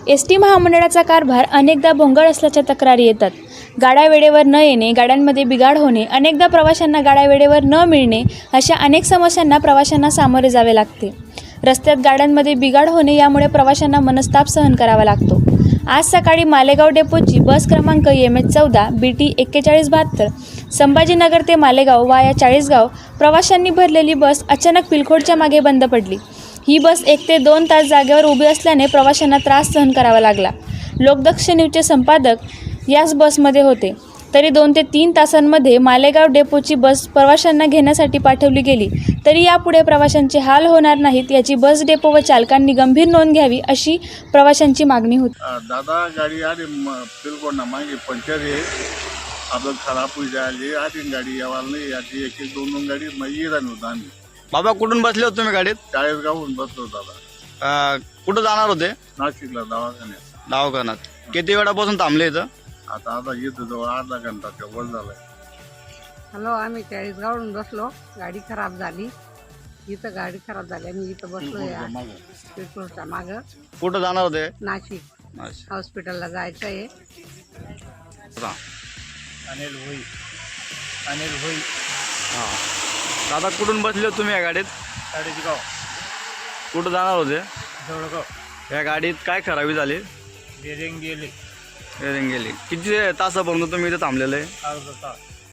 ST. महामंडळाचा कारभार अनेकदा भोंगळ असल्याच्या तक्रारी येतात. गाड्या वेळेवर न येणे, गाड्यांमध्ये बिघाड होणे, अनेकदा प्रवाशांना गाड्या वेळेवर न मिळणे अशा अनेक समस्यांना प्रवाशांना सामोरे जावे लागते. रस्त्यात गाड्यांमध्ये बिघाड होणे यामुळे प्रवाशांना मनस्ताप सहन करावा लागतो. आज सकाळी मालेगाव डेपोची बस क्रमांक MH14 BT 4172 संभाजीनगर ते मालेगाव वाया चाळीसगाव प्रवाशांनी भरलेली बस अचानक पिलखोडच्या मागे बंद पडली. ही बस 1 ते 2 तास जागेवर उभी असल्याने प्रवाशांना त्रास सहन करावा लागला. लोकदक्ष न्यूजचे संपादक याच बसमध्ये होते. तरी 2 ते 3 तासांमध्ये मालेगाव डेपोची बस प्रवाशांना घेण्यासाठी पाठवली गेली. तरी यापुढे प्रवाशांचे हाल होणार नाहीत याची बस डेपो व चालकांनी गंभीर नोंद घ्यावी अशी प्रवाशांची मागणी होती. दादा गाडी आली बिलकुल ना मागे पंक्चर आहे आपलं खराब होई जायली आधी गाडी यावाला नाही याची एक एक दोन गाडी मग येणार होता आम्ही. बाबा कुठून बसले होते तुम्ही गाडीत? चाळीसगावहून बसलो दादा. कुठं जाणार होते? नाशिकला दवाखान्यात. दवाखान्यात. किती वेळापासून थांबले इथं? आता येतो जवळ अर्धा घंटा वर झालाय. हॅलो, आम्ही चाळीसगावहून बसलो. गाडी खराब झाली. इथं गाडी खराब झाली आम्ही इथं बसलो या पेट्रोलच्या मागं. कुठं जाणार होते? नाशिक हॉस्पिटलला जायचं आहे. अनिल होई. हां. दादा कुठून बसले होते तुम्ही या गाडीत? चाळीसगाव. कुठं जाणार होते? जवळगाव. या गाडीत काय खराबी झाली? बेरिंग गेली. गेली. किती तासापर्यंत तुम्ही इथे थांबलेले? अर्धा तास.